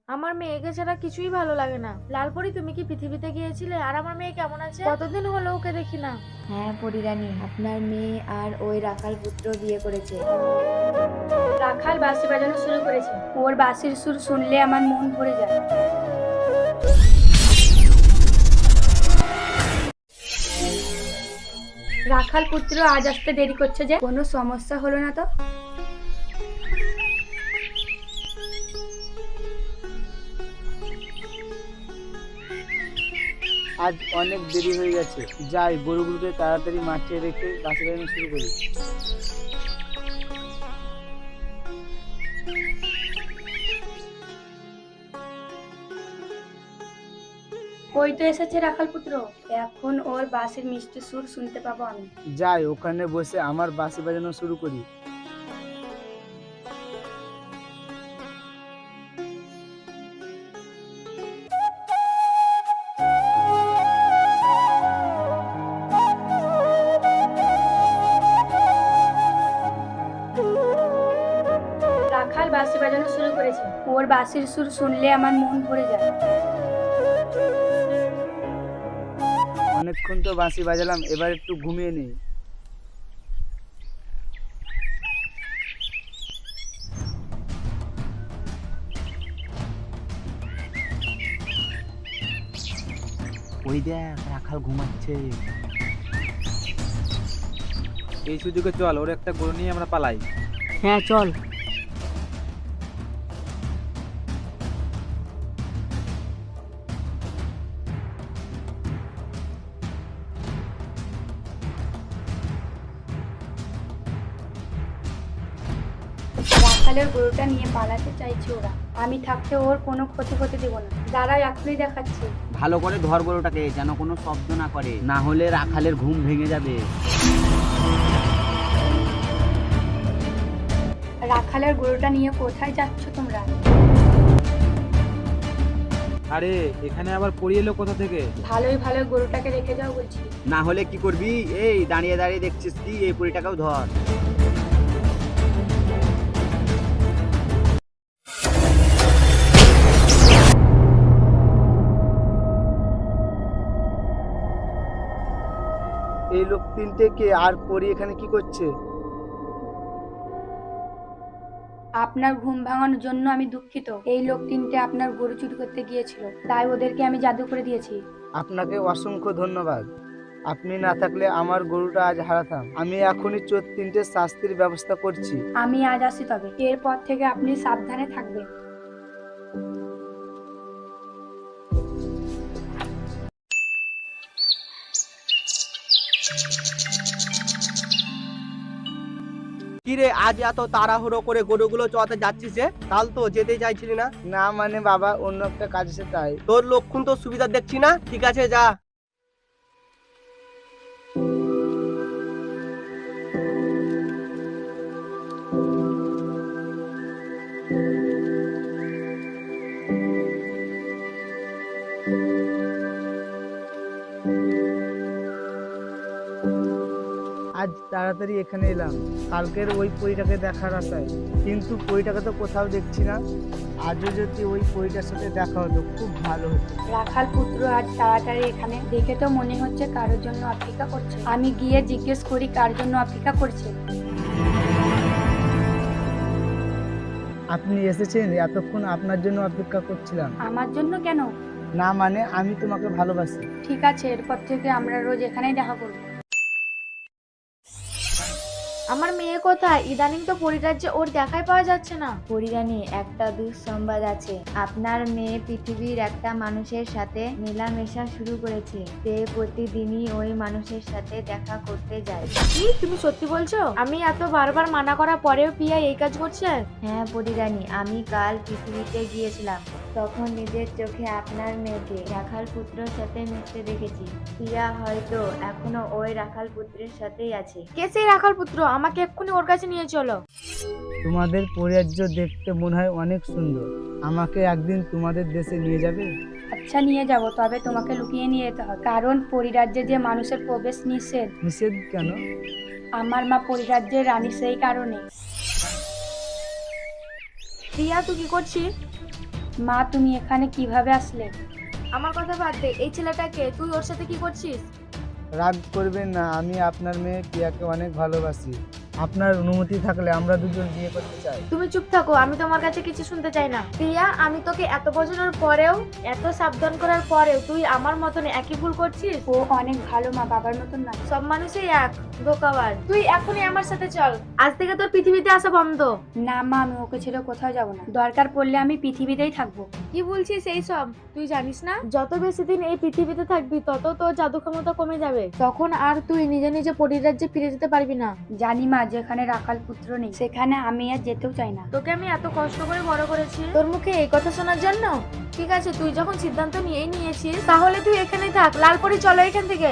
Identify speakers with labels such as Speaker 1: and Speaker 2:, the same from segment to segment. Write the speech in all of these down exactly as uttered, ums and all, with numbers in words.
Speaker 1: আমার মেয়েকে ছাড়া কিছুই ভালো লাগে না। লালপরি, তুমি কি পৃথিবীতে গিয়েছিলে? আর আমার মেয়ে কেমন আছে? কতদিন হলো ওকে দেখি না।
Speaker 2: হ্যাঁ পরিরানী, আপনার মেয়ে আর ওই রাখাল পুত্র বিয়ে করেছে।
Speaker 3: রাখাল বাঁশি বাজানো শুরু করেছে। ওর বাঁশির সুর শুনলে আমার মন ভরে যায়। রাখাল পুত্র আজ আসতে দেরি করছে যে? কোনো সমস্যা হলো না তো?
Speaker 4: আজ অনেক দেরি হয়ে গেছে, যাই গরুগুলোকে তাড়াতাড়ি মাঠে রেখে বাসে বাজানো শুরু করি।
Speaker 3: ওই তো এসেছে রাখাল পুত্র। এখন ওর বাঁশির মিষ্টি সুর শুনতে পাবো আমি।
Speaker 4: যাই ওখানে বসে আমার বাঁশি বাজানো শুরু করি।
Speaker 3: রাখাল বাঁশি বাজানো শুরু করেছে। ওর বাঁশির সুর শুনলে আমার মন ভরে যায়।
Speaker 4: অনেকক্ষণ তো বাঁশি বাজালাম, এবার একটু ঘুমিয়ে নিই। ওই দেখ রাখাল ঘুমাচ্ছে।
Speaker 5: এই সুযোগে চল, ওর একটা গরু নিয়ে আমরা পালাই।
Speaker 2: হ্যাঁ চল।
Speaker 3: রাখালের গরুটা নিয়ে পালাতে চাইছে ওরা। আমি থাকতে ওর কোনো ক্ষতি করতে দেবো না। দাঁড়াও, এখনই দেখাচ্ছি।
Speaker 4: ভালো করে ধর গরুটাকে, যেন কোনো শব্দ না করে, না হলে রাখালের ঘুম ভেঙে যাবে।
Speaker 3: রাখালের গরুটা নিয়ে কোথায় যাচ্ছ তোমরা?
Speaker 5: আরে এখানে আবার পড়িয়ে এলো কোথা থেকে?
Speaker 3: ভালোই ভালো গরুটাকে রেখে যাও বলছি।
Speaker 4: না হলে কি করবি? এই দাঁড়িয়ে দাঁড়িয়ে দেখছিস কি? এই পরিটাকেও ধর। এই লোক তিনটে কে, আর পরি এখানে কি করছে?
Speaker 3: আপনার ঘুম ভাঙানোর জন্য আমি দুঃখিত। এই লোক তিনটে আপনার গরু চুরি করতে গিয়েছিল, তাই ওদেরকে আমি জাদু করে দিয়েছি।
Speaker 4: আপনাকে অসংখ্য ধন্যবাদ। আপনি না থাকলে আমার গরুটা আজ হারাতাম। আমি এখনই চোর তিনটে শাস্তির ব্যবস্থা করছি।
Speaker 3: আমি আজ আসি, তবে এরপর থেকে আপনি সাবধানে থাকবেন।
Speaker 6: কিরে, আজ এত তাড়াহুড়ো করে গরুগুলো চড়াতে যাচ্ছিস যে? কাল তো যেতে চাইছিলি না।
Speaker 4: না মানে বাবা, অন্য একটা কাজ আছে তাই।
Speaker 6: তোর লক্ষণ তো সুবিধা দেখছি না। ঠিক আছে, যা।
Speaker 4: আজ তাড়াতাড়ি এখানে এলাম কালকের ওই পরীটাকে দেখার আশায়, কিন্তু পরীটাকে তো কোথাও দেখছি না। আজও যদি ওই পরীটার সাথে দেখা হতো খুব ভালো হতো।
Speaker 3: রাখাল পুত্র আজ তাড়াতাড়ি এখানে, দেখে তো মনে হচ্ছে কারোর জন্য অপেক্ষা করছে। আমি গিয়ে জিজ্ঞেস করি কার জন্য অপেক্ষা করছে।
Speaker 4: আপনি এসেছেন? এতক্ষণ আপনার জন্য অপেক্ষা করছিলাম।
Speaker 3: আমার জন্য কেন?
Speaker 4: না মানে আমি তোমাকে ভালোবাসি।
Speaker 3: ঠিক আছে, এরপর থেকে আমরা রোজ এখানেই দেখা করবো।
Speaker 1: আমার মেয়ে কোথায়? ইদানিং তো পরিরাজ্যে ওর দেখাই পাওয়া যাচ্ছে না।
Speaker 2: পরিরানী, একটা দুঃসংবাদ আছে। আপনার মেয়ে পৃথিবীর একটা মানুষের সাথে মেলামেশা শুরু করেছে। সে প্রতিদিনই ওই মানুষের সাথে দেখা করতে যায়।
Speaker 1: কি, তুমি সত্যি বলছো? আমি এত বারবার মানা করার পরেও পিয়া এই কাজ করছে?
Speaker 2: হ্যাঁ পরিরানী, আমি কাল পৃথিবীতে গিয়েছিলাম, তখন নিজের চোখে আপনার মেয়েকে রাখাল পুত্রের সাথে মিশতে দেখেছি। প্রিয়া হয়তো এখনো ওই রাখাল পুত্রের সাথেই আছে।
Speaker 1: কে সেই রাখাল পুত্র? আমাকে এক্ষুনি ওর কাছে নিয়ে চলো।
Speaker 4: তোমাদের পরিরাজ্য দেখতে মনে হয় অনেক সুন্দর। আমাকে একদিন তোমাদের দেশে নিয়ে যাবে?
Speaker 3: আচ্ছা, নিয়ে যাব, তবে তোমাকে লুকিয়ে নিয়ে যেতে হবে, কারণ পরিরাজ্যে যে মানুষের প্রবেশ নিষেধ।
Speaker 4: নিষেধ কেন?
Speaker 3: আমার মা পরিরাজ্যের রানী, সেই কারণে।
Speaker 1: প্রিয়া, তুই কি করছিস?
Speaker 3: মা তুমি এখানে কিভাবে আসলে?
Speaker 1: আমার কথা বাদ দে, এই ছেলেটাকে তুই ওর সাথে কি করছিস?
Speaker 4: রাগ করবেন না, আমি আপনার মেয়ে পিয়াকে অনেক ভালোবাসি। আপনার অনুমতি থাকলে আমরা দুজন বিয়ে করতে চাই।
Speaker 1: তুমি চুপ থাকো, আমি তোমার কাছে কিছু শুনতে চাই না। প্রিয়া, আমি তোকে এত বোঝানোর পরেও, এত সাবধান করার পরেও তুই আমার মতন একই ভুল করছিস।
Speaker 3: ও অনেক ভালো মা, বাবার মতন না।
Speaker 1: সব মানুষই এক, ধোকাবার। তুই এখনই আমার সাথে চল, আজ থেকে তোর পৃথিবীতে আসা বন্ধ।
Speaker 3: না মা, আমি ওকে ছেড়ে কোথাও যাব না। দরকার পড়লে আমি পৃথিবীতেই থাকবো।
Speaker 1: কি বলছিস এই সব? তুই জানিস না, যত বেশি দিন এই পৃথিবীতে থাকবি তত তোর জাদু ক্ষমতা কমে যাবে। তখন আর তুই নিজে নিজে পরিরাজ্যে ফিরে যেতে পারবি না।
Speaker 3: জানি মা, যেখানে রাখাল পুত্র নেই সেখানে আমি আর যেতেও চাই না।
Speaker 1: তোকে আমি এত কষ্ট করে বড় করেছি তোর মুখে এই কথা শোনার জন্য? ঠিক আছে, তুই যখন সিদ্ধান্ত নিয়েই নিয়েছিস তাহলে তুই এখানেই থাক। লালপরি, চলো এখান থেকে।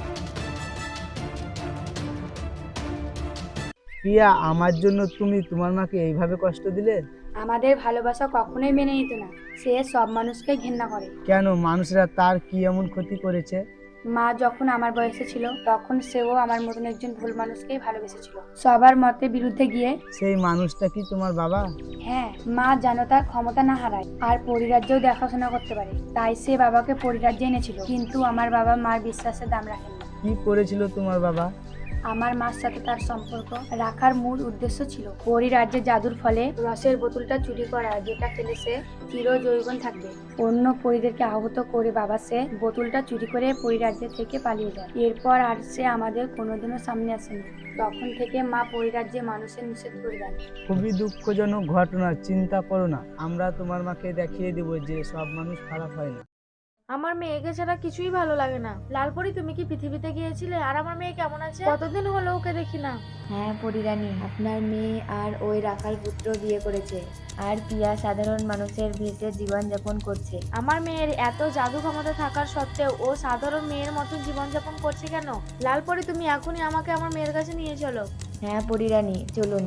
Speaker 4: পিয়া, আমার জন্য তুমি তোমার মাকে এইভাবে কষ্ট দিলে?
Speaker 3: আমাদের ভালোবাসা কখনোই মেনে নিত না। সে সব মানুষকে ঘৃণা করে।
Speaker 4: কেন? মানুষরা তার কি এমন ক্ষতি করেছে?
Speaker 3: মা যখন আমার বয়সে ছিল তখন সেও আমার মতন একজন ভুল মানুষকেই ভালোবেসেছিল, সবার মতের বিরুদ্ধে গিয়ে।
Speaker 4: সেই মানুষটা কি তোমার বাবা?
Speaker 3: হ্যাঁ মা, যেন তার ক্ষমতা না হারায় আর পরিরাজ্যেও দেখাশোনা করতে পারে, তাই সে বাবাকে পরিরাজ্যে এনেছিল। কিন্তু আমার বাবা মার বিশ্বাসের দাম রাখেন না।
Speaker 4: কি করেছিল তোমার বাবা?
Speaker 3: আমার মার সাথে তার সম্পর্ক রাখার মূল উদ্দেশ্য ছিল পরিরাজ্যের জাদুর ফলে রসের বোতলটা চুরি করা, যেটা খেলে সে চিরজীবন থাকবে। অন্য পরিদেরকে আহত করে বাবা সে বোতলটা চুরি করে পরিরাজ্য থেকে পালিয়ে যায়। এরপর আর সে আমাদের কোনোদিনও সামনে আসেনি। তখন থেকে মা পরিরাজ্যে মানুষের নিষেধ করে দেন।
Speaker 4: খুবই দুঃখজনক ঘটনা। চিন্তা করো না, আমরা তোমার মাকে দেখিয়ে দেব যে সব মানুষ খারাপ হয় না।
Speaker 1: আমার মেয়েকে ছাড়া কিছুই ভালো লাগে না। লালপরি, তুমি কি পৃথিবীতে গিয়েছিলে? আর আমার মেয়ে কেমন আছে? কতদিন হলো ওকে দেখি না।
Speaker 2: হ্যাঁ পরিরানী, আপনার মেয়ে আর ওই রাখাল পুত্র বিয়ে করেছে, আর পিয়া সাধারণ মানুষের ভেসে জীবন যাপন করছে।
Speaker 1: আমার মেয়ের এত জাদু ক্ষমতা থাকার সত্ত্বেও ও সাধারণ মেয়ের মতন জীবনযাপন করছে কেন? লালপরি, তুমি এখনই আমাকে আমার মেয়ের কাছে নিয়ে চলো।
Speaker 2: হ্যাঁ পরিরানী, চলুন।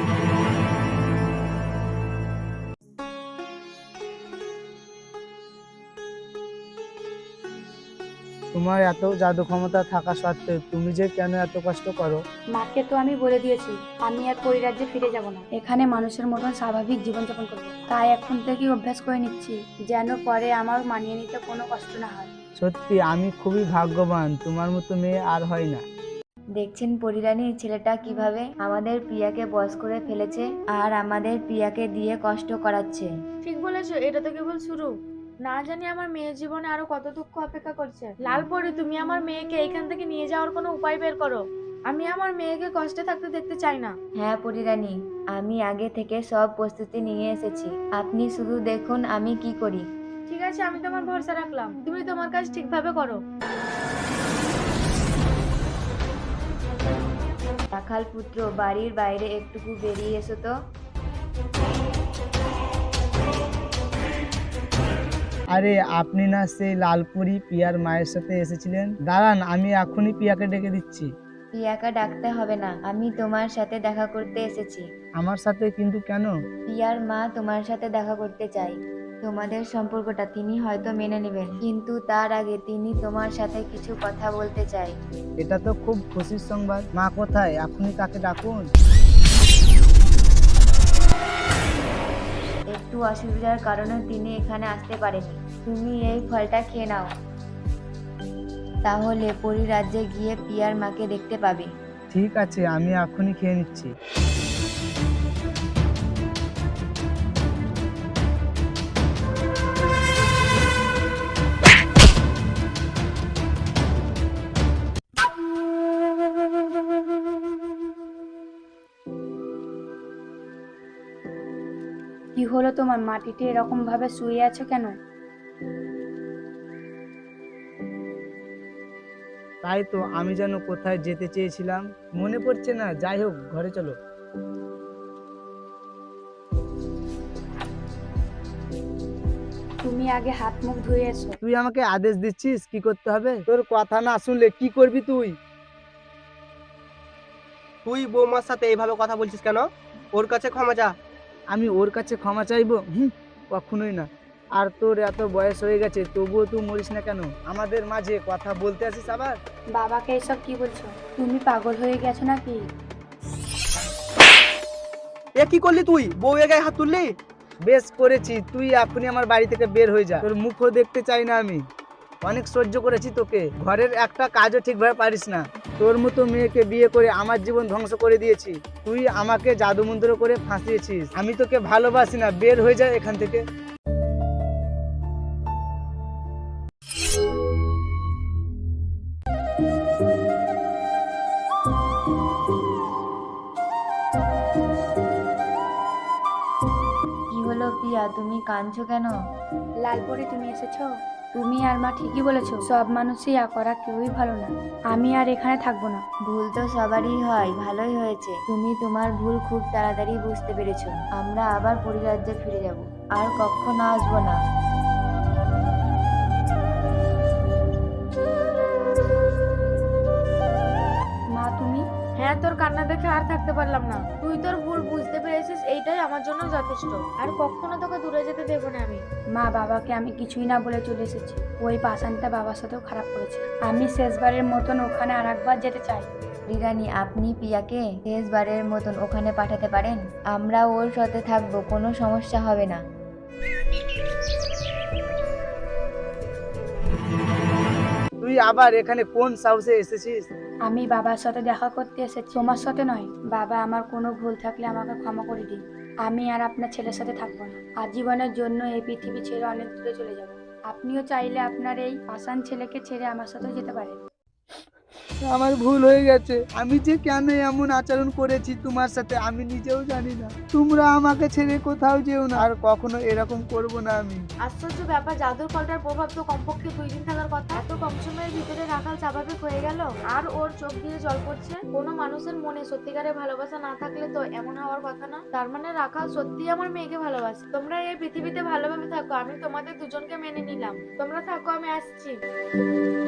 Speaker 4: তোমার এত জাদু ক্ষমতা থাকা সত্ত্বেও তুমি যে কেন এত কষ্ট করো?
Speaker 3: মাকে তো আমি বলে দিয়েছি আমি আর পরিরাজ্যে ফিরে যাব না, এখানে মানুষের মতন স্বাভাবিক জীবনযাপন করবো। তাই এখন থেকেই অভ্যাস করে নিচ্ছি, যেন পরে আমার মানিয়ে নিতে কোনো কষ্ট না হয়।
Speaker 4: সত্যি আমি খুবই ভাগ্যবান, তোমার মতো মেয়ে আর হয় না।
Speaker 2: দেখছেন পরিরানী, ছেলেটা কিভাবে আমাদের প্রিয়াকে বশ করে ফেলেছে আর আমাদের প্রিয়াকে দিয়ে কষ্ট করাচ্ছে।
Speaker 1: ঠিক বলেছো, এটা তো কেবল শুরু। না জানি আমার মেয়ের জীবনে আরো কত দুঃখ অপেক্ষা করছে। লালপরি, তুমি আমার মেয়েকে এখান থেকে নিয়ে যাওয়ার কোনো উপায় বের করো। আমি আমার মেয়েকে কষ্টে থাকতে দেখতে চাই না।
Speaker 2: হ্যাঁ পরিরানী, আমি আগে থেকে সব প্রস্তুতি নিয়ে এসেছি, আপনি শুধু দেখুন আমি কি করি।
Speaker 1: ঠিক আছে, আমি তোমার ভরসা রাখলাম, তুমি তোমার কাজ ঠিকভাবে করো।
Speaker 2: রাখাল পুত্র, বাড়ির বাইরে একটুকু বেরিয়ে এসো তো।
Speaker 4: আরে আপনি না সেই লালপুরি পিয়ার মায়ের সাথে এসেছিলেন? দাঁড়ান, আমি এখনই পিয়াকে ডেকে দিচ্ছি।
Speaker 2: পিয়াকে ডাকতে হবে না, আমি তোমার সাথে দেখা করতে এসেছি।
Speaker 4: আমার সাথে? কিন্তু কেন?
Speaker 2: পিয়ার মা তোমার সাথে দেখা করতে চাই। তোমাদের সম্পর্কটা তিনি হয়তো মেনে নেবেন, কিন্তু তার আগে তিনি তোমার সাথে কিছু কথা বলতে চাই।
Speaker 4: এটা তো খুব খুশির সংবাদ। মা কোথায়? এখনই তাকে ডাকুন।
Speaker 2: একটু অসুবিধার কারণে তিনি এখানে আসতে পারেনি। তুমি এই ফলটা খেয়ে নাও, তাহলে পরিরাজ্যে গিয়ে পিয়ার মাকে দেখতে পাবে।
Speaker 4: ঠিক আছে, আমি এখনই খেয়ে নিচ্ছি।
Speaker 3: কি হলো তোমার? মাটিতে এরকম ভাবে শুয়ে আছো কেন?
Speaker 4: তাই তো, আমি যেন কোথায় যেতে চেয়েছিলাম, মনে পড়ছে না। যাই হোক, ঘরে চলো।
Speaker 3: তুমি আগে হাত মুখ ধুয়ে এসো।
Speaker 4: তুই আমাকে আদেশ দিচ্ছিস কি করতে হবে? তোর কথা না শুনলে কি করবি তুই?
Speaker 6: তুই বৌমার সাথে এইভাবে কথা বলছিস কেন? ওর কাছে ক্ষমা চা।
Speaker 4: আমি ওর কাছে ক্ষমা চাইবো? হুম, কখনোই না। আর তোর এত বয়স হয়ে গেছে, তবুও তুই মরিস না কেন? আমাদের মাঝে কথা বলতে আসিস আবার।
Speaker 3: বাবাকে এসব কি বলছো? তুমি পাগল হয়ে গেছো নাকি?
Speaker 6: এ কি করলি তুই? বউয়ের গায়ে হাত তুললি?
Speaker 4: বেশ করেছি, তুই এখনই আমার বাড়ি থেকে বের হয়ে যা, তোর মুখও দেখতে চাই না আমি। অনেক সহ্য করেছি তোকে, ঘরের একটা কাজও ঠিকভাবে পারিস না। তোর মতো মেয়েকে বিয়ে করে আমার জীবন ধ্বংস করে দিয়েছি। তুই আমাকে জাদুমন্ত্র করে ফাঁসিয়েছিস। আমি তোকে ভালোবাসি না, বের হয়ে যা এখান থেকে।
Speaker 2: কি হলো প্রিয়া, তুমি কাঁদছো কেন?
Speaker 3: লালপরি তুমি এসেছো? তুমি আর মা ঠিকই বলেছো, সব মানুষই আ করা কেউই ভালো না। আমি আর এখানে থাকবো না।
Speaker 2: ভুল তো সবারই হয়, ভালোই হয়েছে তুমি তোমার ভুল খুব তাড়াতাড়ি বুঝতে পেরেছো। আমরা আবার পরিরাজ্যে ফিরে যাব, আর কখনো আসবো না।
Speaker 3: মা তুমি?
Speaker 1: হ্যাঁ, তোর কান্না দেখে আর থাকতে পারলাম না। তুই তোর ভুল বুঝতে পেরেছিস, এইটাই আমার জন্য যথেষ্ট। আর কখনো তোকে দূরে যেতে দেবো না আমি।
Speaker 3: মা, বাবাকে আমি কিছুই না বলে চলে এসেছি। ওই পাষাণটা বাবার সাথেও খারাপ করেছে। আমি শেষবারের মতন ওখানে আর একবার যেতে চাই।
Speaker 2: রিরানি, আপনি প্রিয়াকে শেষবারের মতন ওখানে পাঠাতে পারেন? আমরা ওর সাথে থাকবো, কোনো সমস্যা হবে না।
Speaker 4: তুই আবার এখানে কোন সাহসে এসেছিস?
Speaker 3: আমি বাবার সাথে দেখা করতে এসেছি, তোমার সাথে নয়। বাবা, আমার কোনো ভুল থাকলে আমাকে ক্ষমা করে দিন। আমি আর আপনার ছেলের সাথে থাকবো না। আজীবনের জন্য এই পৃথিবী ছেড়ে অনেক দূরে চলে যাব। আপনিও চাইলে আপনার এই পাষাণ ছেলেকে ছেড়ে আমার সাথেও যেতে পারেন।
Speaker 4: আমার ভুল হয়ে গেছে। আমি যে কেন এমন আচরণ করেছি তোমার সাথে আমি নিজেও জানি না। তোমরা আমাকে ছেড়ে কোথাও যেও না, আর কখনো এরকম করব না আমি।
Speaker 1: আশ্চর্য ব্যাপার, জাদুর ফলটার প্রভাব তো কমপক্ষে দুই দিন থাকার কথা। এত কম সময়ের ভিতরে রাখাল স্বাভাবিক হয়ে গেল, আর ওর চোখ দিয়ে জল পড়ছে। কোনো মানুষের মনে সত্যিকারের ভালোবাসা না থাকলে তো এমন হওয়ার কথা না। তার মানে রাখাল সত্যি আমার মেয়েকে ভালোবাসে। তোমরা এই পৃথিবীতে ভালোভাবে থাকো, আমি তোমাদের দুজনকে মেনে নিলাম। তোমরা থাকো, আমি আসছি।